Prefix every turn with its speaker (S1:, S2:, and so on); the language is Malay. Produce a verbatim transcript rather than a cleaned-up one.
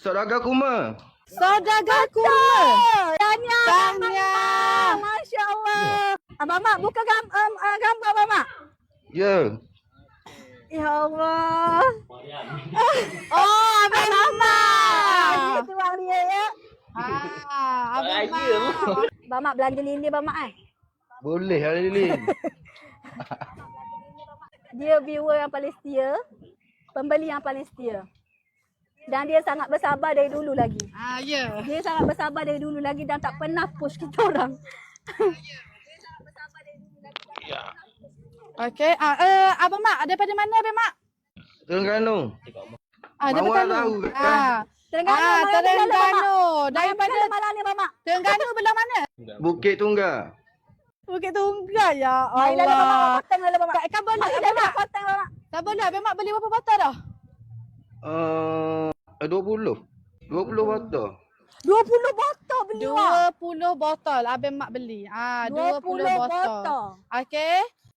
S1: Saudagar Kuma.
S2: Saudagar Kuma.
S3: Tanya.
S2: Tanya.
S3: Masya Allah. Abang Mak, buka gam um, uh, gambar Abang Mak.
S1: Ya.
S3: Ya Allah.
S2: Oh, Abang Mak.
S3: Itu bang dia ya.
S2: Ah, Abang Mak.
S3: Abang Mak belanja lili Abang Mak eh.
S1: Boleh hari ni.
S3: Dia viewer yang paling setia. Pembeli yang paling setia. Dan dia sangat bersabar dari dulu lagi.
S2: Ah, ya.
S3: Dia sangat bersabar dari dulu lagi dan tak pernah push kita orang.
S2: Okey, ah uh, Abang Mak daripada mana Abang Mak?
S1: Terengganu.
S2: Ah, daripada
S1: Mawar
S2: Terengganu.
S1: tahu kan?
S2: Ah,
S3: Terengganu.
S2: ah, Terengganu. Daripada
S3: malam ni Abang Mak.
S2: Terengganu belah mana?
S1: Bukit Tunggal.
S2: Bukit Tunggal ya
S3: Mari lalu Abang Mak
S2: Allah.
S3: potong lalu Abang Mak.
S2: Kak kan boleh
S3: Mari
S2: Abang
S3: lalu
S2: Mak.
S3: potong Abang Mak.
S2: Tak boleh Abang Mak beli berapa botol dah?
S1: Uh, dua puluh. dua puluh botol.
S3: dua puluh botol beli Mak.
S2: dua puluh botol Abang Mak beli. Ah, dua puluh botol.
S3: botol.
S2: Okey.